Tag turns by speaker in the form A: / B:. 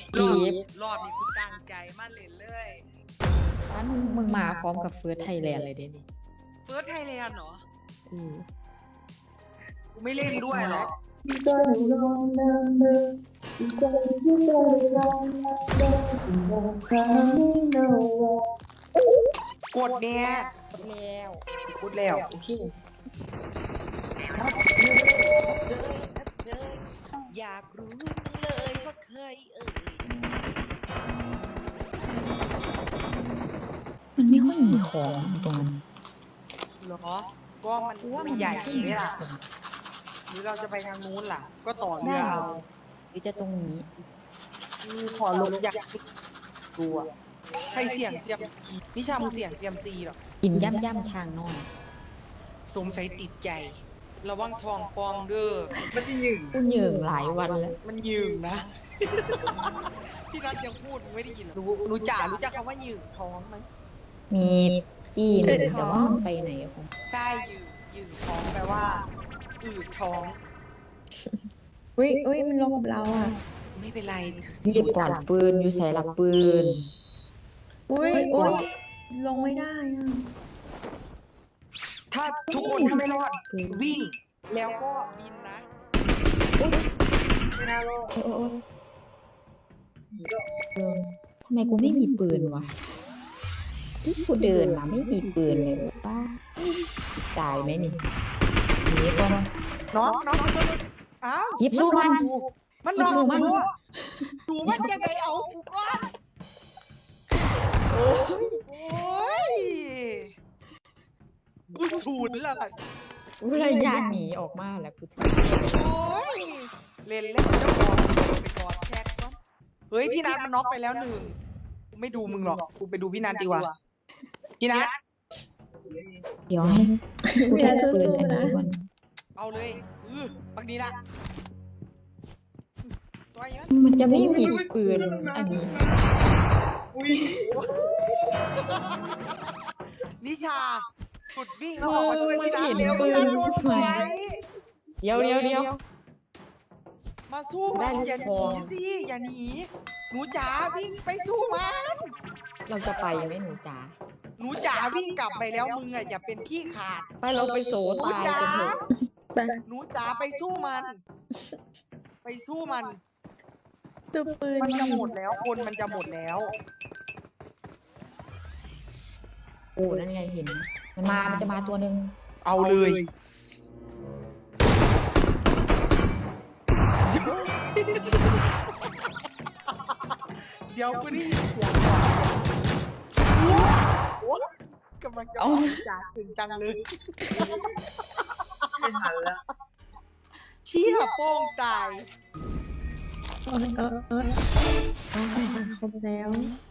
A: รอบ
B: จีบ
A: รอบนี้กูตั้งใจมาเล่นเลย
B: ร้านมึงมาพร้อมกับเฟิร์สไทยแลนด์เลยเด้นี่
A: เฟิร์สไทยแลนด์เหรอ
B: อือ
A: กูไม่เล่นด้วยหรอก กดเนี่ย
B: แล้ว
A: กดแล้วโอเคอยากรู้เลยว่าเคย
B: มันไม่ค่อยมีของตรงนั้น
A: เหรอก็มันใหญ่เลยล่ะหรือเราจะไปทางนู้นล่ะ ก็ต่อเรือเอา
B: หรือจะตรงนี้
A: ขอลงอยากตัวใครเสี่ยงเซียมซีนิชามึงเสี่ยงเซียมซีหรอ
B: กินย่ำช้างน้อย
A: สงสัยติดใจ ระวังทองปองเด้อมันจะยืง
B: กูเหยื่อหลายวันแล้ว
A: มันยืงนะ พี่นัทยังพูดไม่ได้ยินหรอรู้จักคำว่ายืงท้องไหม
B: มีตีหนึ่งแต่ว่ามันไปไหนของ
A: ใช่ยืงท้องแปลว่าอืดท้อง
C: อุ้ยมันลงกับเราอ่ะ
A: ไม่เป็นไร
B: อยู่ปลอดปืนอยู่ใส่หลักปืน
C: อุ้ยลงไม่ได้อ่ะ
A: ถ้าทุกคนถ้าไม่รอดวิ่ง แล้วก็บินนะไม่น่ารอด
B: โอ้ทำไมกูไม่มีปืนวะที่กูเดินมาไม่มีปืนเลยป้าตายไหมนี่หนีก่อน
A: น้องอ้าว
B: หยิบสู้มัน
A: มันนอนดูมันยังไงเอากูก่อนโอ้ยกูสูนแล้วล่ะ
B: กูเลยยานหนีออกมาแล้วกูถึง
A: โอ้ยเล่นเจ้าของไปกอดแชทก่อนเฮ้ยพี่นัทมันน็อกไปแล้วหนึ่งกูไม่ดูมึงหรอกกูไปดูพี่นัทดีกว่าพี่นัท
B: เดี๋ยวให้กูได้ปืนอันนี้ก่อน
A: เอาเลยปักนี้ละตัวนี้
B: มันจะไม่มีปืนอันนี้
A: นิชาสุดวิ่งแล้วออกมาช่วยพี่นัทเร็วพี่นัทโดนไฟ
B: เดี๋ยว
A: มาสู้มันอย่าหนีสิอย่าหนีหนูจ๋าวิ่งไปสู้มัน
B: เราจะไปไหมหนูจ๋า
A: หนูจ๋าวิ่งกลับไปแล้วมึงอ่ะอย่าเป็นขี้ขาด
B: ไปเราไปโซตายกันเถอะ
A: หนูจ๋าไปสู้มัน ไปสู้มัน
C: ดูปืน
A: มันจะหมดแล้วคนมันจะหมดแล้ว
B: โอ้นั่นไงเห็น มันจะมาตัวหนึ่ง
A: เอาเลยเดี๋ยวกูได้ยินเสียงก่อนโอ้กำลังจะเอาจ๋าถึงจังเลยไม่ทันแล้วเชี่ยโป้งตาย
C: ครบแล้ว